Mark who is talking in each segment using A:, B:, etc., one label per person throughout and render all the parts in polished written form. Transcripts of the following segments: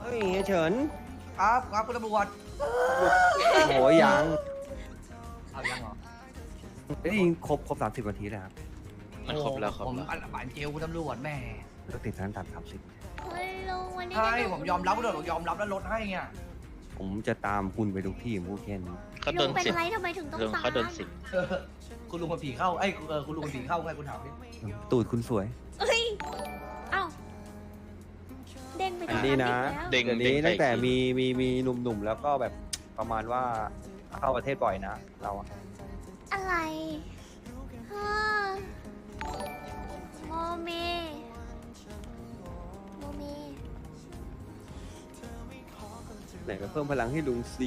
A: ฮ้ยเฮียเฉิน
B: ครับครับคุณตำรวจ
A: โหยัง
B: เอายังเหรอ
A: ได้ยิงครบ30 นาทีแล้วครับ
C: มันครบแล้วครับ
B: ผมอันหวานเจลคุณตำรวจแม่
A: ก็ติดนั้นตัด30
D: เฮ้ยลุงวันนี้
B: ใช่
D: ได้
B: ผมยอมรับด้วยผมยอมรับแล้วลดให้ไง
A: ผมจะตามคุณไปทุกที่ผมพูดแค่นี้
C: เขาโด
D: ลุ
C: น
D: งเป็น
C: สิบ
D: ไรทำไมถึงต้อง
C: ลุง
D: ตาม
C: เขาโดนสิบ
B: เออคุณลุงมันผีเข้าไอ้ยคุณลุงมันผีเข้าไงคุณถามดิ
A: ตูดคุณสวย
D: เอ้ยเอ้าเด้งไป
A: อันนี้นะ
D: แล้ว
C: เด้ง
A: เดี๋ยว
C: เด้
A: นี้
C: ง
A: ตั้งแต่
C: ไป
A: มีหนุ่มๆแล้วก็แบบประมาณว่าเข้าประเทศบ่อยนะเราอะ
D: อะไรฮะโมเมโมเม
A: ไหนมาเพิ่มพลังให้ลุงซี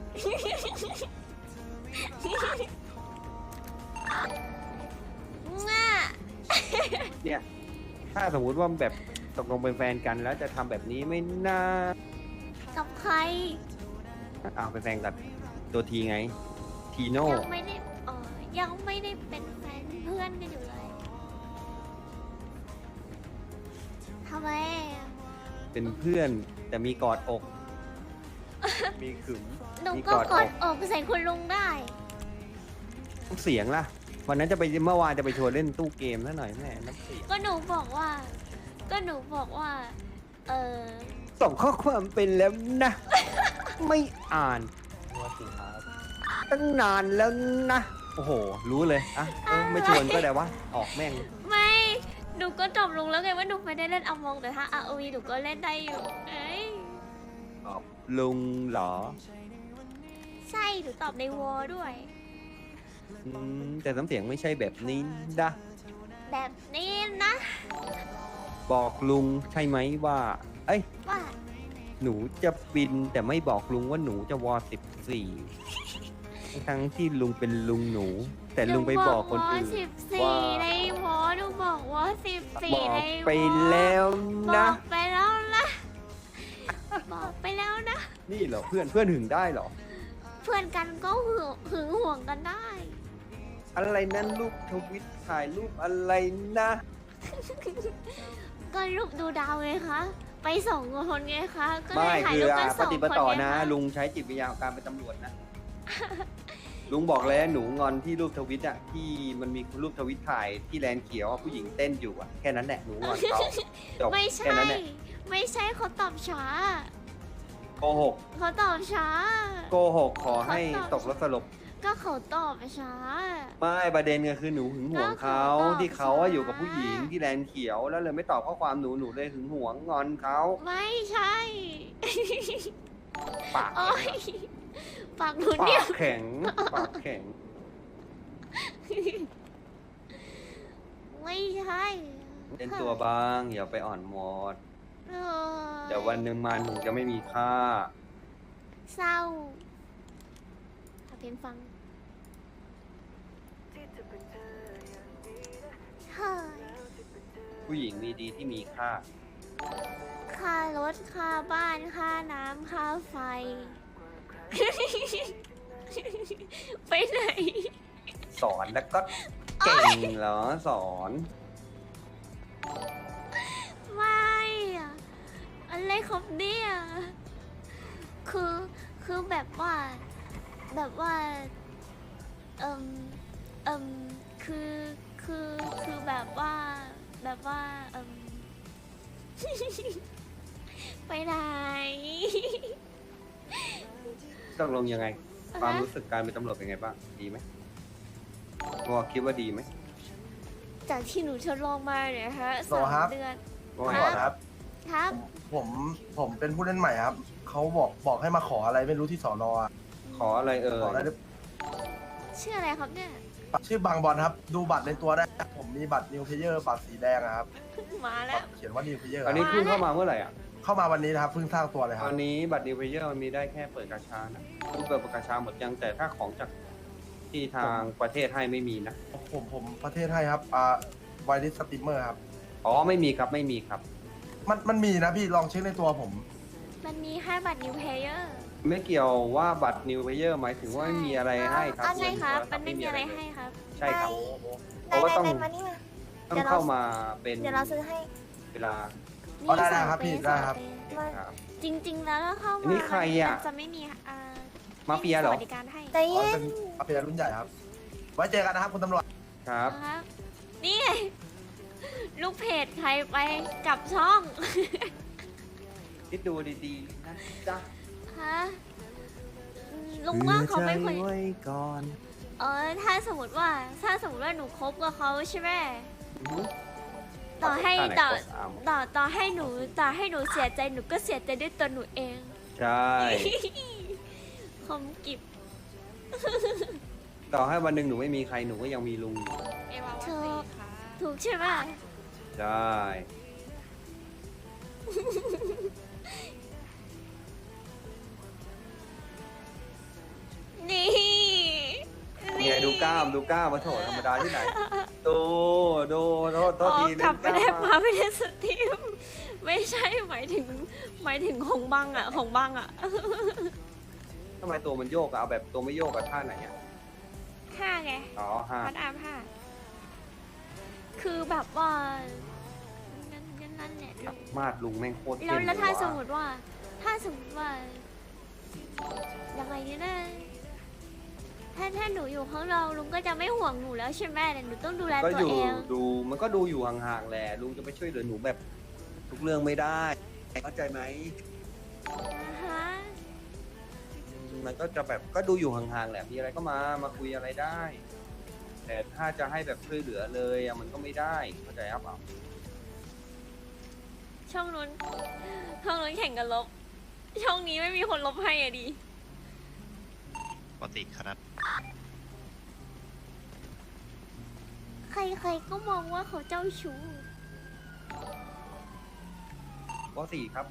D: ง่ะ
A: เนี่ยถ้าสมมุติว่าแบบตกลงเป็นแฟนกันแล้วจะทำแบบนี้ไม่น่า
D: กับใคร
A: อ้าวเป็นแฟนกับตัวทีไงทีโน่
D: ยังไม่ได้ยังไม่ได้เป็นแฟนเพื่อนกันอยู่เลยทำไมอะ
A: เป็นเพื่อนแต่มีกอดอก มีขึม
D: หนู
A: มี
D: ก็
A: กอด
D: ก
A: อ
D: ด
A: ก
D: อกใส่คุณลุงได้
A: เสียงล่ะ วันนั้นเมื่อวานจะไปชวนเล่นตู้เกมซะหน่อยแม่น้ำเสียง
D: ก็หนูบอกว่า เออ
A: ส่งข้อความเป็นแล้วนะ ไม่อ่านตั้งนานแล้วนะ โอ้โห รู้เลยอ่ะไม่ชวนก็ได้วะออกแม่ง
D: ไม่ หนูก็ตอบลุงแล้วไงว่าหนูไม่ได้เล่นอมองแต่ถ้า ROV หนูก็เล่นได้อยู่เอ้ย
A: ลุงเหรอ
D: ใช่ หนูตอบในวอลด้วย
A: แต่น้ำเสียงไม่ใช่แบบนี้นะ
D: แบบนี้นะ
A: บอกลุงใช่ไหมว่า เอ้ย
D: ว่า
A: หนูจะบินแต่ไม่บอกลุงว่าหนูจะ14ทั้งที่ลุงเป็นลุงหนู แต่ลุงไปบอกคนอื่น
D: ห14
A: ว่า
D: ในวอลหนูบอกว่า
A: บ
D: 14
A: อก
D: ในวอล
A: ไปแล้ว
D: บ
A: นะ
D: อกไปแล้วนะบอกไปแล้วนะ
A: นี่เหรอเพื่อนหึงได้เหรอ
D: เพื่อนกันก็หึงห่วงกันได้
A: อะไรนั่นรูปทวิตถ่ายรูปอะไรนะ
D: ก็รูปดูดาวไงคะ ไปสองคนไงคะ ก็เล
A: ไม่
D: ยถ่าย
A: คือ
D: รูปกัน
A: ป
D: สอง
A: ฏิ
D: ค
A: ป
D: น
A: ต่อ
D: ไง
A: นะ
D: คะ
A: ลุงใช้จิตวิญญาณของการเป็นตำรวจนะ ลุงบอกแล้วหนูงอนที่รูปทวิตอะที่มันมีรูปทวิตถ่ายที่แลนด์เขียวอะผู้หญิงเต้นอยู่อะแค่นั้นแหละหนูงอนเขาจบ
D: ไม่
A: แค่
D: ใช่
A: นั้นแหละ
D: ไม่ใช่เขาตอบช้า
A: โกหก
D: เขาตอบช้า
A: โกหกขอให้ตกรถสลบ
D: ก็เขาตอบช้า
A: ไม่ประเด็นก็คือหนูหึงหวงเขา
D: ก็เขาตอบ
A: ที่เขาอะอยู่กับ
D: ช้า
A: ผู้หญิงที่แลนด์เขียวแล้วเลยไม่ตอบข้อความหนูเลยหึงหวงงอนเขา
D: ไม่ใช่
A: ปาก
D: โอ้ยปากหนู
A: ปา
D: เนี่ย
A: กแข็งปากแข็ง
D: ไม่ใช่
A: เล่นตัวบ้างอย่าไปอ่อนหมด
D: เออ
A: เดี๋ยววันหนึ่งมาหนูจะไม่มีค่า
D: เศร้าหาเพลงฟังเฮ้ย
A: ผู้หญิงมีดีที่มีค่า
D: ค่ารถค่าบ้านค่าน้ำค่าไฟ ไปไหน
A: สอนแล้วก็เก่งเหรอสอน
D: ไม่อะอะไรครับเนี่ยคือแบบว่าเอิมเอิมคือแบบว่าเอิม ไปไหน
A: ต้องลงยังไง ความรู้สึกการเป็นตำรวจเป็นไงบ้าง ดีไหมวอคิดว่าดีไหม
D: จากที่หนูทดลองมาเนี่ยฮะ
B: รอครับ
D: 3 เดือน
A: วอ
B: ก่อนครับ
D: ครับ
B: ผมเป็นผู้เล่นใหม่ครับเขาบอกให้มาขออะไรไม่รู้ที่สอนอะ
A: ขออะไรเอ่
B: ขออะไร
A: ย
D: ชื่ออะไรครับเนี่ย
B: ชื่อบางบอลครับ ดูบัตรในตัวได้ ผมมีบัตรนิวเพเยอร์บัตรสีแดงอะครับ
D: มาแล้ว
B: เขียนว่านิวเพเยอร์
A: อันนี้เพิ่งเข้ามาเมื่อไหร่อ่ะ
B: เข้ามาวันนี้นะครับเพิ่งสร้างตัวเลยค
A: ต
B: รั
A: อบ นนี้บัตรนิวเพเยอร์มันมีได้แค่เปิดกาชานะรูปเปิดกาชาหมดยังแต่ถ้าของจากที่ทางประเทศให้ไม่มีนะ
B: ผมประเทศให้ครับไวริสสตรีมเมอร์ครับ
A: อ๋อไม่มีครับไม่มีครับ
B: มันมีนะพี่ลองเช็คในตัวผม
D: มันมีให้บัตร new player
A: ไม่เกี่ยวว่าบัตรนิวเพเยอร์หมายถึงว่าไม่มีอะไรให้ครับ
D: ใช่ครับ
A: ส่
D: มั
A: วน
D: ไม่มีอะไรให้ครับ
A: ใช่ครับเพ
E: ได้
A: ราะว่า
E: ได้
A: ต้อง
E: ได้มานี่มา
A: ต้องเข้ามาเป็น
E: เดี๋ยวเราซื้อให้
A: เวลา
B: อ๋อได้
D: สอง
B: ครับ
D: เป
B: พี่
D: ย์
B: ได้
D: สอง
B: ครับ
D: เปย์
A: ครับ
D: จริง ๆ แล้วถ้าเข้า
A: อัน
D: มา
A: นี้ใครอะ
D: มันจะไม่มี
A: มาเฟียเหรอ
D: สวัสดิการให้
C: ใจ
B: อ๋อ
C: เย็
B: เป็น นมาเฟียรุ่นใหญ่ครับ ไว้เจอกันนะครับคุณตำรวจ
A: ครับ
D: นะครับนี่ไงลูกเพจใครไปกลับช่อง
A: คิดดูดีๆนะจ๊ะ
D: ฮะลุงว่าเขาไม่ควร
A: ใจไว้ก่อน
D: ถ้าสมมติว่าหนูคบกับเขาใช่ไหม
A: อือหือ
D: ต่อให้
A: ท่าไหน
D: ต่อ
A: โค้ชอาร์ม
D: ต่อให้หนูเสียใจหนูก็เสียใจด้วยตัวหนูเอง
A: ใช่
D: คมกิบ
A: ต่อให้วันหนึ่งหนูไม่มีใครหนูก็ยังมีลุงอยู่
E: เอวาวัน
D: ถู
E: สี
D: ก
E: ค่ะ
D: ถูกใช่ไหม
A: ใช่
D: นี่
A: เนี่ยดูกล้ามมาโถธรรมดาที่ไหนดูโทษ
D: อ๋อ
A: ที
D: กลับไปได้
A: เล่นกล้
D: มาไม่ได้สตรีมไม่ใช่หมายถึงของบังอ่ะของบังอ่ะ
A: ทำไมตัวมันโยกอะเอาแบบตัวไม่โยกกับท่าไหนอะ
D: ห้าไง
A: อ๋อห้า
D: พัดอาร์มห้าคือแบบว่านั่นแหละลุง
A: มาดลุงแม่งโคตร
D: แล้ว
A: เท่
D: แล้วถ้า
A: เลย
D: ส
A: ว่ะ
D: มมติว่า ยังไงเนี่ยนะถ้าหนูอยู่ข้างนอกลุงก็จะไม่ห่วงหนูแล้วใช่ไหมแต่หนูต้องดูแล
A: ก็
D: ตัว
A: อยู่
D: เอง
A: ดูมันก็ดูอยู่ห่างๆแหละลุงจะไปช่วยเหลือหนูแบบทุกเรื่องไม่ได้เข้าใจไหม
D: นะฮะ
A: มันก็จะแบบก็ดูอยู่ห่างๆแหละมีอะไรก็มาคุยอะไรได้ แต่ถ้าจะให้แบบช่วยเหลือเลยอะมันก็ไม่ได้เข้าใจครับเปล่า
D: ช่องนู้นแข่งกันลบ ช่องนี้ไม่มีคนลบให้อะดิ
F: ปกติครับ
D: ใครๆก็มองว่าเขาเจ้าชู้
A: ข้อสี่ครับ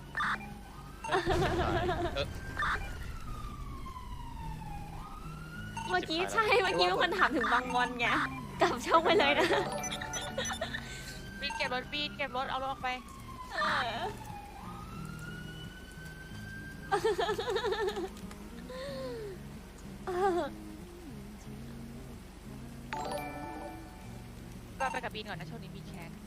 D: เมื่อกี้ใช่เมื่อกี้มีคนถามถึงบางบอลไงกลับช่องไปเลยนะ
E: บีดเก็บรถบีดเก็บรถเอารถออกไป ก็ไปกับบีนก่อนนะช่วงนี้บีนแคส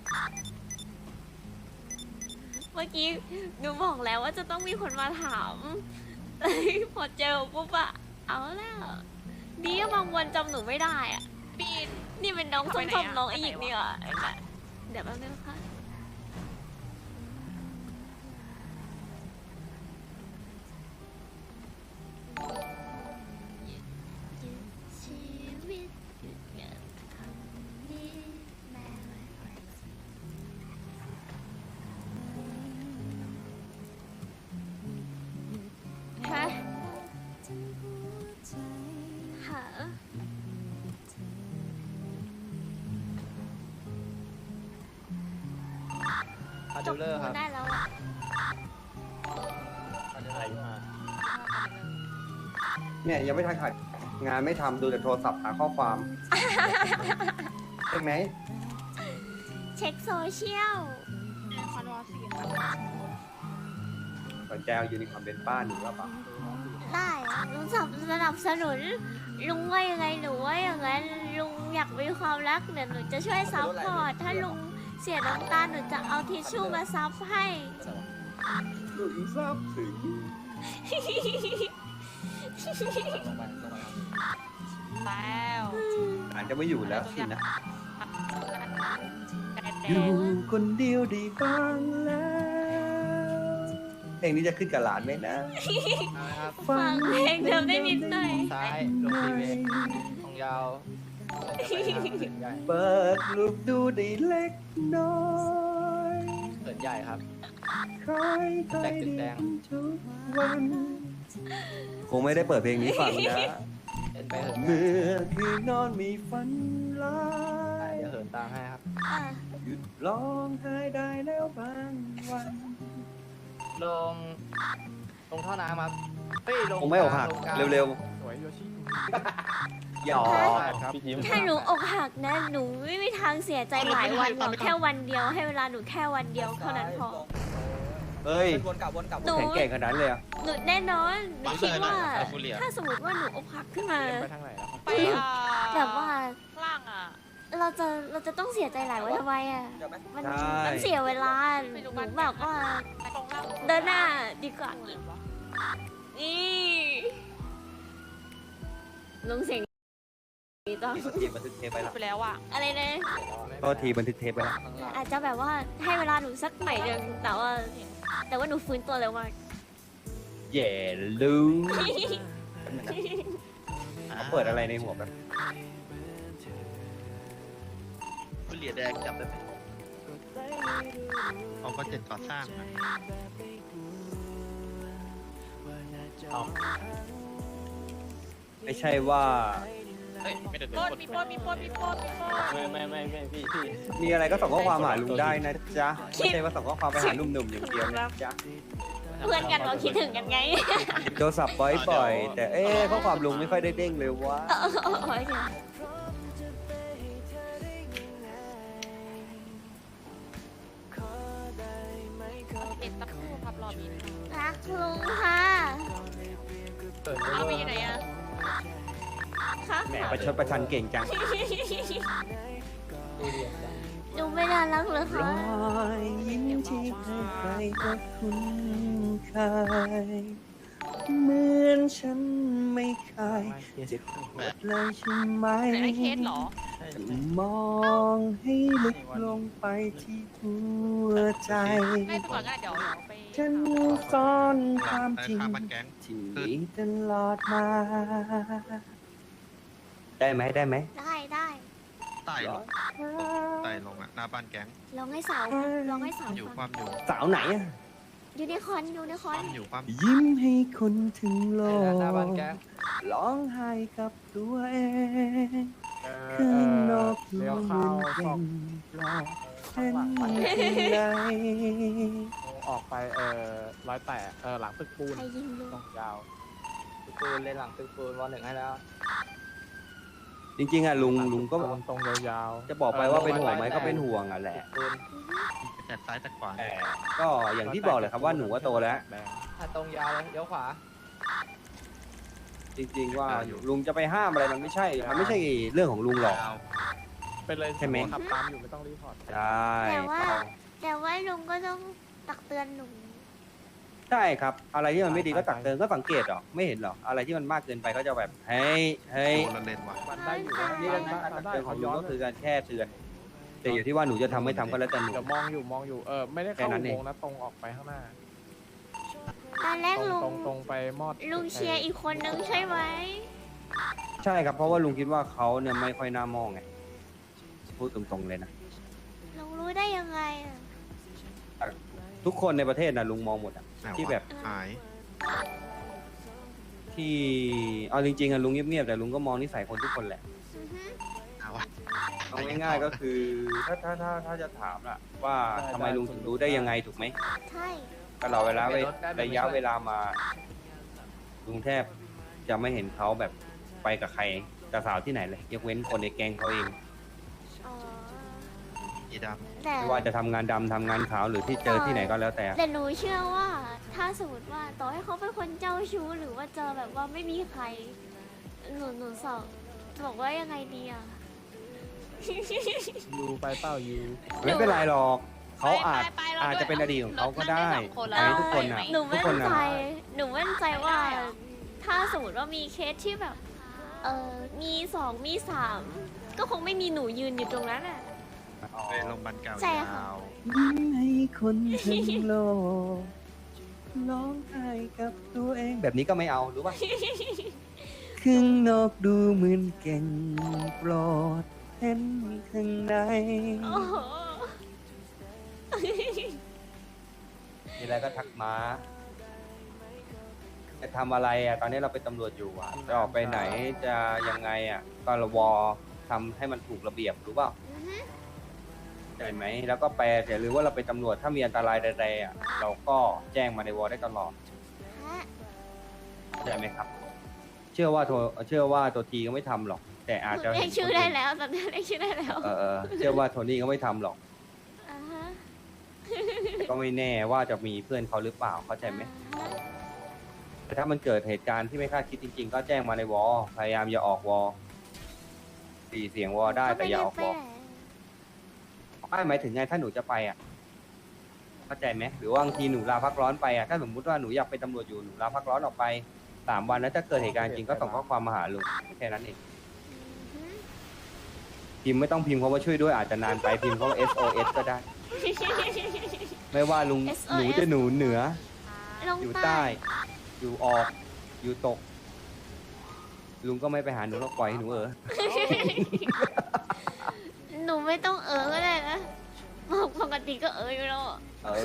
D: เมื่อกี้หนูบอกแล้วว่าจะต้องมีคนมาถาม แต่พอเจอปุ๊บอะเอาแล้วดีว่าบางวันจำหนูไม่ได้อะ
E: บีน
D: นี่เป็นน้อง
E: เอา
D: ส้
E: ไปไหน
D: ม
E: อะ
D: ๆน้องไอ
E: ไปไหน
D: หยิก
E: วะ
D: นี่อ่ะเดี๋ยวแป๊บนึงค่ะชีวิตเกิดคำนี้แม้ฮะหา จบพูได้แล้วอะ
A: เนี่ยยังไม่ทันขาดงานไม่ทำดูแต่โทรศัพท์หาข้อความ ใช่ไหม
D: เช็คโซเชียล
E: คอนวอร์สี่ค่ะ
A: สนใจเอายูนิคอร์นเป็นป้าหนูหรือเปล่า
D: ได้อะลุงสนับสนุน ลุงว่ายังไงหนูว่าอย่างนั้นลุงอยากมีความรักเดี๋ยวหนูจะช่วยซัพพอร์ตถ้าลุงเสียน้ำตาหนูจะเอาทิชชู่มาซับให้
A: หนูทราบถึง
E: แล้ว
A: อาจจะไม่อยู่แล้วสินะ
E: แดดแด
A: อยู่
E: ด
A: คนเดียวได้บ้างแล้ว เพลงนี้จะขึ้นกับหลานไหมนะ
D: ฟังเพลงเดิมได้นิดหน่อย
G: ซ้ายลงทีเวตรงยาวเหินใหญ่
A: เปิดลูกดูได้เล็กน้อย
G: เหินใหญ่ครับ
A: คอยคอย
G: แดงตึกแดง
A: ทุกวันคงไม่ได้เปิดเพลงนี้ฟังนะ
G: เดินไปเหิน
A: เมื่อคืนนอนมีฝันร้า
G: ใหญ่
A: ย
G: เดี๋ยวเหินตามให้ครับ
D: อ่ะ
A: หยุดร้องไห้ได้แล้วบางวัน
G: ลงท่อน้ำครับเฮ้ยลง
A: คงไม่อกหัก
G: ลงลาง
A: เร็ว
G: สวยโยชิ
A: ๆหยอก
G: ครับพี่ยิ้ม
D: ถ้าหนูอกหักนะ หนูไม่มีทางเสียใจหลายวันหรอกแค่วันเดียวให้เวลาหนูแค่วันเดียวเท่านั้นพอ
A: เฮ้ย
G: วนกลับ
D: หนู
A: แข็งแกร่งขนาดนั้นเลยอะ
D: หนูแน่นอนหนูคิดว่า
F: บังเอิญอะ
D: ถ้าสมมติว่าหนูอกหักขึ้นมา
G: ไปทางไหนแล้วครับ
E: ไป
D: แบบว่า
E: ข้างล่างอ่ะ
D: เราจะต้องเสียใจหลายวันทำไมอ่ะมัน
A: ใช่
D: มันเสียเวลาหนูแบบว่า
E: ตรงล่าง
D: เดินหน้าดีกว่านี่ลงเสียงดีต้อง
A: โทษทีบันทึกเทปไปแล้ว
E: ไปแล้วอ่ะ
D: อะไรนะ
A: โทษทีบันทึกเทปไปแล้ว
D: อาจจะแบบว่าให้เวลาหนูสักหน่อยหนึงแต่ว่าหนูฟื้นตัวเร็วมาก
A: แย่ลุงเขาเปิดอะไรในหัวแบบ
F: คุณเหลียแดงจำได้ไหมเขาก็เจ็ดก่อสร้างนะ
A: ไม่ใช่ว่า
E: ปล้นมีปล้นมีปล้นมีปล้นมีปล้น
G: ไม่พี่
A: มีอะไรก็ส่งข้อความหาลุงได้นะจ๊ะไม่ใช่ว่าส่งข้อความไปหาหนุ่มๆอย่างเดียวนะจ๊ะ
D: เพื่อนกันเราคิดถึงกันไง
A: โทรศัพท์บ่อยๆแต่ข้อความลุงไม่ค่อยได้เด้งเลยวะ
D: โอ้ยเดี๋ยว
E: เอ็นสักครู่ครับรอบีน
D: รักลุงค่ะ
E: เอาบีอยู่ไหนอ่ะ
D: ค่ะ
A: แหมประชดประชันเก่งจัง
D: หนูไม่น่ารักเลยค่ะ
A: ยยิ้มที่ใครๆก็คุ้นเคยเหมือนฉันไม่เคยเจ็บปวดเลยใช่ไหม
E: ไหนไอเคสเหรอ
A: มองให้ลึกลงไปที่หัวใจ
E: ให้ไปก่อนก็ได้เดี๋ยวไป
A: ฉันซ่อนความจริง
F: ข้างบ้านแก๊ง
A: ที่มีตลอดมา ได้ไหมได้ไหม
D: ได้
F: ไต่ลงไต่ลงอ่ะหน้าบ้านแก๊ง
D: ลองให้สาวลองให้สาว
F: อยู่ค
D: ฟั
F: วาง มอยู่
A: สาวไหนอะ
D: ยูนิคอร์น
F: ความอยู่ความ
A: ยิ้มให้คนถึงโลก
G: หน้าบ้านแก๊ง
A: ร้องไห้กับตัวเอง
G: เอ
A: ข้างนอก
G: เลี้ยว
A: เห
G: เข้า
A: มือน
G: ซ
A: เป็
G: อก
A: นปลอกเป็นข้างใน
G: ออกไป108หลังตึกปูน
D: ใครยิงลุง
G: ตรงยาวตึกปูนเลยหลังตึกปูนวันหนึ่งให้แล้ว
A: จริงๆอะลุงก็
G: ตรงยาวๆ
A: จะบอกไปว่าเป็นห่วงไหมก็เป็นห่วงอะแหละ
G: ปูน
F: แต่ซ้ายแต่ขวา
A: แต่ก็อย่างที่บอกเลยครับว่าหนูว่าโตแล้ว
G: แดงถ้าตรงยาวเลยเลี้ยวขวา
A: จริงๆว่าลุงจะไปห้ามอะไรมันไม่ใช่ มันไม่ใช่เรื่องของลุงหรอก
F: ยาว
G: เป็นเลย
A: ใช่ไหม
G: ขับตามอยู่ไม่ต้องรีพอร์ต
A: ใช่
D: แต่ว่าลุงก็ต้องตักเตือนหนู
A: ใช่ครับ อะไรที่มันไม่ดีก็ตักเตือนก็สังเกตหรอไม่เห็นหรออะไรที่มันมากเกินไปก็จะแบบเฮ้ย
F: โดนละเลนว่ะ
G: มันได้อยู่
A: นี่
G: นี่
A: การ
G: มัน
A: ตัก
G: ได้
A: เตือนข
G: เขา
A: องลุ
G: ย้
A: ง
G: อน
A: ก็คือการแค่เตือน แต่อยู่ที่ว่าหนูจะทำไม่ทำก็แล้วแต่หนู
G: เดี๋ยวมองอยู่ไม่ได้
A: แค่
G: เข้า
A: นั้น
G: อุ
A: เอง
G: โมงค์นะตรงออกไปข้างหน้า
D: ตอนแรกลุง
G: ตรงไปมอด
D: ลุงเชียร์อีกคนนึงใช่ไหม
A: ใช่ครับเพราะว่าลุงคิดว่าเขาเนี่ยไม่ค่อยน่ามองไงพูดตรงๆเลยนะ
D: ลุงรู้ได้ยังไงอะ
A: ทุกคนในประเทศนะลุงมองหมดอะ
F: ไหนวะ
A: ที่แบบ
F: หาย
A: ที่เอาจริงๆอะลุงเงียบๆแต่ลุงก็มองนิสัยคนทุกคนแหละ
D: อือฮึ
F: เอาวะ
A: เอาง่ายๆก็คือถ้าจะถามล่ะว่าทำไมลุงถึงรู้ได้ยังไงถูกไหม
D: ใช่
A: ก็เราระยะเวลามาลุงแทบจะไม่เห็นเขาแบบไปกับใครกับสาวที่ไหนเลยยกเว้นคนในแก๊งเขาเอง
D: อ๋อ
F: อีด
D: แต่
A: ไม่ว่าจะทำงานดำทำงานขาวหรือที่เจอที่ไหนก็แล้วแต่
D: แต่หนูเชื่อว่า ถ้าสมมติว่าต่อให้เขาเป็นคนเจ้าชู้หรือว่าเจอแบบว่าไม่มีใคร หนูสอบบอกว่ายังไงดีอ่ะ
G: ยูไปเป้ายู
A: ไม่เป็นไรหรอกเขาอาจ
E: ไปๆเรา
A: อาจจะเป็นอดีตของเขาก็ได้
E: นั่งสองคนแล้ว
A: อันนี้ทุกคนนะ
D: หนู
A: ทุก
D: มั่น
A: คนนะ
D: ใจ หนูมั่นใจว่า
E: ไม่ได้เหรอ
D: ถ้าสมมติว่ามีเคสที่แบบ มีสองมีสามก็คงไม่มีหนูยืนอยู่ตรงนั้นอ่ะ
F: ำไปโรงพยาบาลเก่า
D: ใช่
F: ย
D: ค่ะ
F: าว
A: ยิ้มให้คนทั้งโลกร้องไห้กับตัวเองแบบนี้ก็ไม่เอารู้ป่ะ ข้างนอกดูเหมือนเก่งโปรดเห็นข้างใน
D: โอ้โห
A: มีอะไรก็ทักมาจะทำอะไรอ่ะ ตอนนี้เราเป็นตำรวจอยู่อ่ะ จะออกไปไหนจะยังไงอ่ะ ก็ระวอทำให้มันถูกระเบียบรู้เปล่า
D: อือฮึ
A: ใช่ไหม แล้วก็แปลแต่หรือว่าเราเป็นตำรวจถ้ามีอันตรายใดๆอ่ะ เราก็แจ้งมาในวอได้ตลอด
D: ฮะ
A: ใช่ไหมครับ เชื่อว่าตัวทีก็ไม่ทำหรอก แต่อาจจะ
D: เรียกชื่อได้แล้วตอนนี้เรียกชื่อได้แล้ว
A: เชื่อว่าโทนี่ก็ไม่ทำหรอก
D: อ่าฮะ
A: แต่ก็ไม่แน่ว่าจะมีเพื่อนเขาหรือเปล่าเข้าใจไหม
D: อ่าฮะ
A: แต่ถ้ามันเกิดเหตุการณ์ที่ไม่คาดคิดจริงๆ ก็แจ้งมาในวอพยายามอย่าออกวอ 4 เสียงวอได้แต่อย่าออกวอ ไม่หมายถึงไงถ้าหนูจะไปอ่ะเข้าใจไหมหรือว่าบางทีหนูลาพักร้อนไปอ่ะถ้าสมมุติว่าหนูอยากเป็นตำรวจอยู่หนูลาพักร้อนออกไป3 วันแล้วถ้าเกิดเหตุการณ์จริงก็ส่งข้อความมาหาลุงแค่นั้นเองพิมพ์ไม่ต้องพิมพ์เพราะว่าช่วยด้วยอาจจะนานไปพิมพ์เพราะว่า SOS ก็ได้ ไม่ว่าลุง
D: SOS
A: หนูจะหนูเหนือ
D: ลง
A: อยู่
D: ใต้
A: ใต้อยู่ออกอยู่ตก ลุงก็ไม่ไปหาหนูหรอกปล่อยให้หนู
D: หนูไม่ต้องก็ได้นะปกติก็อยู่แล้วอะ
A: เออ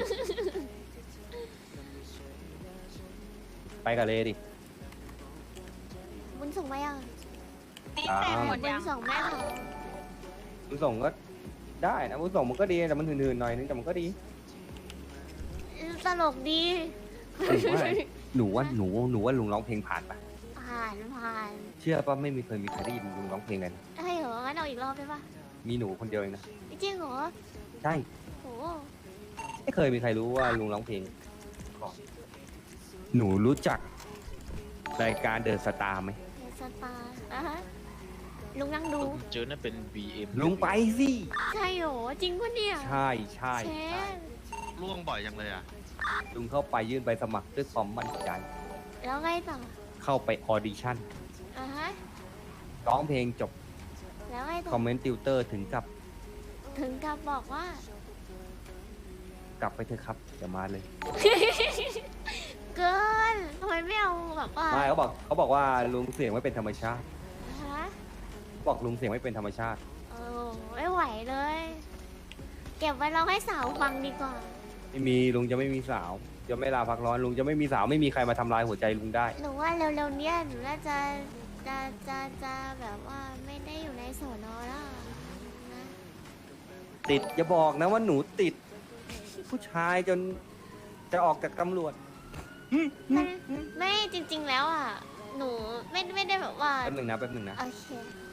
A: ไปกันเลยดิ
D: บุญส่งมายัง
E: นี่แต่หมด
D: บุ
E: ยั
D: ญ
E: ง
D: ส่งแม่เขา
A: บุญส่งก็ได้นะบุญส่งมันก็ดีแต่มันหืนๆหน่อยนึงแต่มันก็ดี
D: ตลกดี
A: หนูว่าลุงร้องเพลงผ่านปะ
D: ผ่าน
A: เชื่อป่ะไม่มีเคยมีใครได้ยินลุงร้องเพลงเลยนะ
D: ได้เหรองั้นเอาอีกรอบได้ปะ
A: มีหนูคนเดียวเองนะ
D: จริงเหรอ
A: ใช่
D: โห
A: ไม่เคยมีใครรู้ว่าลุงร้องเพลงก่อนหนูรู้จักรายการเดอะสตาร์ไหม
D: เดสตาร์ฮะลุงนั่งดู
F: เจอนั่นเป็น BM
A: ลุงไปสิ
D: ใช่เหรอจริงปะเนี่ย
A: ใช่ใช่
D: เช
A: ใช่
D: ฟ
F: ล่วงบ่อยจังเลยอ่ะ
A: ลุงเข้าไปยื่นใบสมัครด้วยความมั่นใจ
D: แล้วไงต่อ
A: เข้าไปออดิชั่น
D: ฮะ
A: ร้องเพลงจบ
D: แล้วไงต่
A: คอมเมนต์ติวเตอร์ถึงกับ
D: ถึงกับบอกว่า
A: กลับไปเถอะครับอย่ามาเลย
D: เกินทำไมไม่เอาแบบว่า
A: ไม่เขาบอกว่าลุงเสียงไม่เป็นธรรมชาติ
D: ฮะ
A: บอกลุงเสียงไม่เป็นธรรมชาติ
D: ไม่ไหวเลย เก็บไว้เราให้สาวฟังดีกว่า
A: ไม่มีลุงจะไม่มีสาว จะไม่ลาพักร้อนลุงจะไม่มีสาวไม่มีใครมาทำลายหัวใจลุงได้
D: หนูว่าเร็วๆเนี้ยหนูน่าจะแบบว่าไม่ได้อยู่ในสอนอแล้วนะ
A: ติดอย่าบอกนะว่าหนูติด ผู้ชายจนจะออกจากตำรวจ
D: มันไม่จริง ๆแล้วอ่ะ หนูไม่ได้แบบว่า
A: แป๊บหนึ่งนะแป๊บหนึ่งนะ
D: โอเค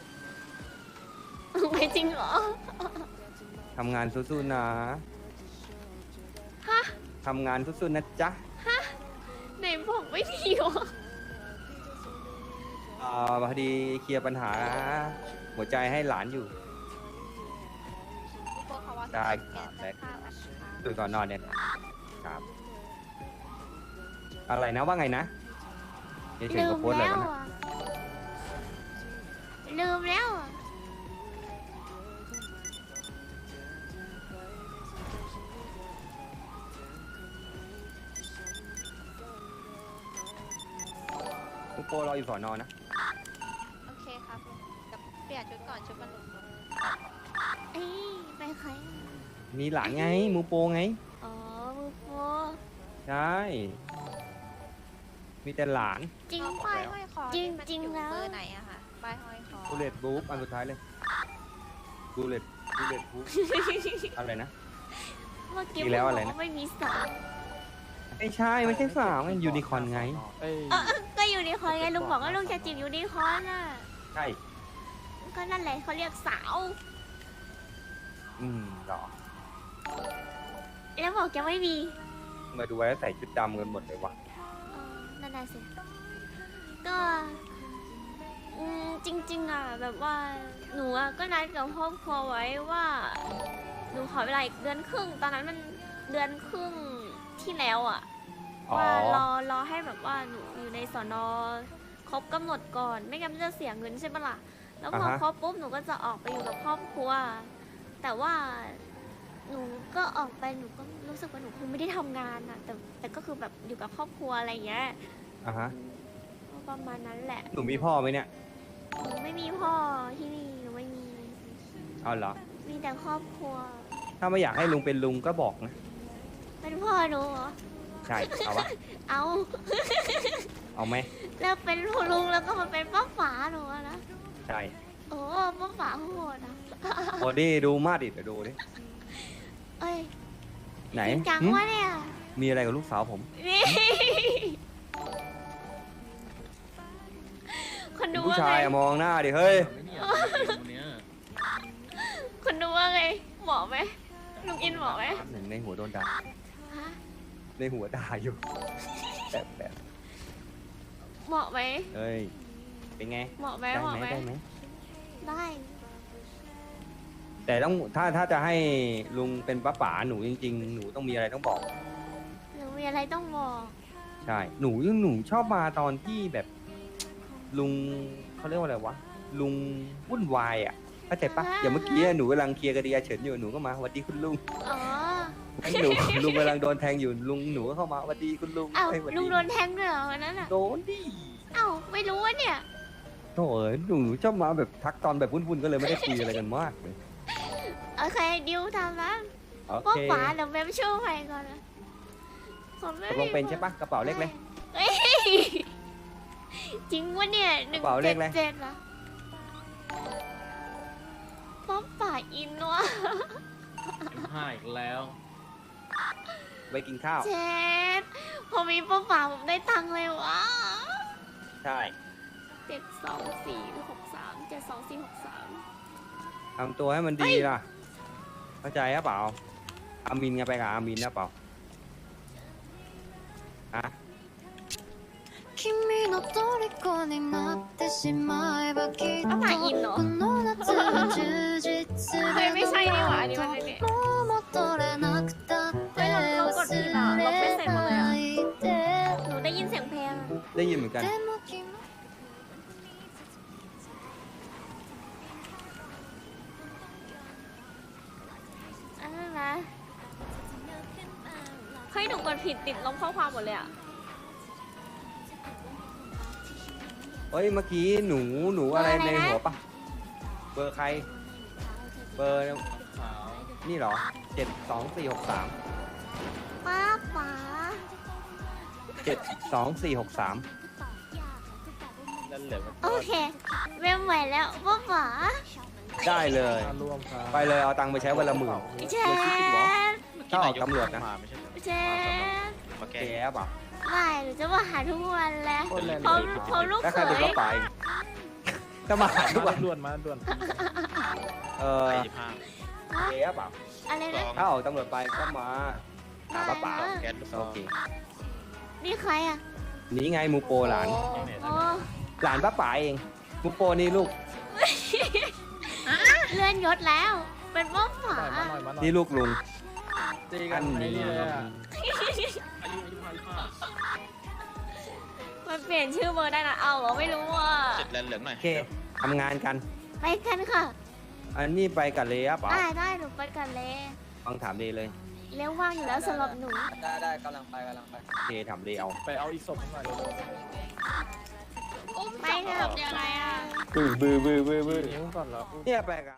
D: ไม่จริงเหรอ
A: ทำงานสู้ๆนะ
D: ฮะ
A: ทำงานสู้ๆนะจ๊ะ
D: ไหนบอกไม่ดีวะ
A: พอดีเคลียร์ปัญหา หัวใจให้หลานอยู่
E: พวกเขาว่า
A: ได้ครับได้
E: ข้าวอัน
A: ตื่นก่อนนอนเนี่ยครับ อะไรนะว่าไงนะเดี๋ยวเฉย
D: ลื
A: กับ
D: ม
A: โพสต์อะไร
D: แล้ว
A: วะนะ
D: อ่ะลืมแล้วอ่ะ
A: คุณโปรออยู่สอนอนะ
E: โอเคครับลุงเดี๋ยวเปลี่ยนชุดก่อนชุดมันหลุด
D: เอ้ยไปใคร
A: มีหลานไงมูโปรไง
D: อ๋อมือโฟ
A: ใช่ มีแต่หลาน
D: จริง
E: ป้ายห้อยคอ
D: จริง
E: นี่มัน
D: จริง
E: อยู่
D: แล้ว
E: เบอร์ไหนอะคะป้ายห้อยคอ
A: บูเลตบุ๊กอันสุดท้ายเลยบูเลตบุ๊กอะไรนะ
D: เมื่อกี้
A: อีกแล้ว
D: บ
A: อะไร
D: อก
A: นะ
D: ว่าไม่มีสาว
A: ไม่ใช่ไม่ใช่สาวมันยูนิคอร์นไง
D: ก็ยูนิคอร์นไงลุงบอกว่าลุงจะจีบยูนิคอร์นอ่ะ
A: ใช่
D: ก็นั่นแหละเขาเรียกสาว
A: หรอ
D: แล้วบอกจะไม่มี
A: มาดูไว้แล้วใส่ชุดดำกันหมดเลยวะ
D: นั่นน่ะสิก็จริง ๆอ่ะแบบว่าหนูอ่ะก็นัดกับครอบครัวไว้ว่าหนูขอเวลาอีกเดือนครึ่งตอนนั้นมันเดือนครึ่งที่แล้วอ่ะ
A: อ๋อ
D: ว่ารอให้แบบว่าหนูอยู่ในสอนอครบกำหนดก่อน ไม่งั้นมันจะเสียเงินใช่ปะล่ะแล้วพอครบปุ๊บหนูก็จะออกไปอยู่กับครอบครัว แต่ว่าหนูก็ออกไปหนูก็รู้สึกว่าหนูคงไม่ได้ทำงานอ่ะแต่ก็คือแบบอยู่กับครอบครัวอะไรอย่างเงี้ย
A: อ่ะฮะ
D: ก็ประมาณนั้นแหละ
A: หนูมีพ่อไหมเนี่ย
D: หนูไม่มีพ่อที่นี่หนูไม่มี
A: เอาเหรอ
D: มีแต่ครอบครัว
A: ถ้าไม่อยากให้ลุงเป็นลุงก็บอกนะ
D: เป็นพ่อหนูเหรอ
A: ใช่ เอาวะ
D: เอา
A: เอาไหม
D: แล้วเป็นพ่อลุงแล้วก็มาเป็นป้าฝาหนูอะนะ
A: ใช่
D: โอ้ป้าฝาโหดอ่ะ
A: โอ้ดิดูมาดิเดี๋ยวดูดิ
D: เอ้ย
A: ไหน
D: จริงจัง
A: หึ
D: วะเนี่ย
A: มีอะไรกับลูกสาวผม
D: นี่คนดู
A: ผู้
D: ว่า
A: ชา
D: ไง
A: ยอะมองหน้าดิ เฮ้ย
D: คนดูว่าไงเหมาะไหมลุงอินเหมาะไหม
A: หนึ่งในหัวโดนด่า
D: ฮะ
A: ในหัวด่าอยู่ แบบ
D: เหมาะไหม
A: เฮ้ย เป็นไง
D: เหมาะไหม
A: ได้
D: เหมาะ
A: ไหม
D: ไหม
A: ได้ไหม
D: ไได้
A: แต่ต้องถ้าจะให้ลุงเป็นป้าป๋าหนูจริงๆหนูต้องมีอะไรต้องบอก
D: หนูมีอะไรต้องบอก
A: ใช่หนูชอบมาตอนที่แบบลุงเขาเรียกว่าอะไรวะลุงวุ่นวายอ่ะเข้าใจปะอย่างเมื่อกี้หนูกำลังเคลียร์คดีอาเฉินอยู่หนูก็มาสวัสดีคุณลุง
D: อ๋อ
A: หนูลุงกำลังโดนแทงอยู่ลุงหนูก็เข้ามาสวัสดีคุณลุง
D: อ้าว
A: เอ้ยสวัส
D: ลุงโดนแทงด้วยเหรอวันนั้นอ่ะ
A: โดนดิ
D: อ้าวไม่รู้ว่าเนี่ย
A: โถ่เอ้ยหนูชอบมาแบบทักตอนแบบวุ่นๆก็เลยไม่ได้คุยอะไรกันมากเลย
D: โอเคดิวทำนะ
A: โอ
D: พวก
A: เค
D: ฝาเดี๋ยวแม่ช่วยใครก่อนนะผมไม่
A: ตกลงเป็นใช่ปะกระเป๋าเล็กเลย
D: เอ้ยจริงวะเนี่ยหนึ่ง
A: กระเป๋าเล
D: เจ็
A: ข
D: ด
A: อะไร
D: เจ็ดเหรอป๊อปป่าอินวะ
G: ห้าอีกแล้ว
A: ไปกินข้าว
D: เจ็ดพอมีป๊อปป่าผมได้ตังค์เลยวะ
A: ใช่
D: 72463 72463
A: ทำตัวให้มันดีล่ะเข้าใจหรือเปล่าอามินไงไปกับอามินนะเปล่าฮะ
C: 君の虜になってしまえばきっと
D: ป๊อปป่าอินเหรอ
C: この夏は充実する
D: เฮ้ยไม่ใช่นี่หว่าอันนี้มันไม่เนี่ย
C: もう戻れなくたって
D: เฮ้ยเรากดผิดอ่ะเราไม่ใส่หมดเลยอ่ะ
C: 忘れないで
D: หนูได้ยินเสียงเพลงอะ
A: ได้ยินเหมือนกัน
C: でも君
D: อันนั้นนะเฮ้ยหนูกดผิดติดลบข้อความหมดเลยอ่ะ
A: เฮ้ยเมื่อกี้หนูอะไร
D: เบอร์อะไร
A: ใน
D: นะ
A: หัวปะเบอร์ใคร เบอร์
G: ขาว
A: นี่เหรอ72463
D: ป้าป๋า
A: 72463
G: นั่นเหลือมัน
D: โอเคเว็บใหม่แล้วป้าป๋า
A: ได้เลย
G: ร่วมครับ
A: ไปเลยเอาตังค์ไปใช้วันละหมื่น
D: เชฟ
A: ถ้าออกตำรวจนะ
F: มาไม่ใช่เหรอ
D: เชฟ
F: มาแก้
A: แกเปล่า
D: ไม่หนูจะมาหาทุกวันแหล้ว
G: คนแรง
D: เขาลูก
A: แล้ว
D: เข
A: ใครเป็น
D: ย
A: ป้าป๋าอีกจะมาหาทุกวัน
G: ด่วนมาด่วน
A: เออ
F: 45
A: แกเปล่า
D: อะไร
F: ซ
D: นะ
F: อง
A: ถ้าออกตำรวจไปก็มาหาป้าป๋า
F: แก๊สลูกซอ
A: โอง เค
D: นี่ใครอ่ะ
A: นี่ไงมูโปหลาน
D: โอ้
A: หลานป้าป๋าเองมูโปนี่ลูก
D: เลื่อนยศแล้ว เป็นป้าป๋า
G: หน่อยมาหน่อยมาหน่อย
A: นี่ลูกลุง
G: ตีกันไอ้นี่เลยอะ
D: มันเปลี่ยนชื่อเบอร์ได้นะเอาเหรอไม่รู้อ่ะ
F: จุดแลนเหลืองหน่อย
A: โอเคทำงานกัน
D: ไปกันค่ะ
A: อันนี้ไปกับเลยเปล่า
D: ได้หนูไปกันเลย
A: ฟังถามเลยเลย
D: เลี้ยวว่างอยู่แล้วสำหรับหนู
H: ได้กำลังไป
A: โอเคถามเลยเอา
G: ไปเอาอีกศพหน่อยเร็ว
D: ไปเถอะอะไรอ่ะ
A: บื้อ
G: ๆนิ้วก่อนเหรอ
A: เนี่ยไปกับ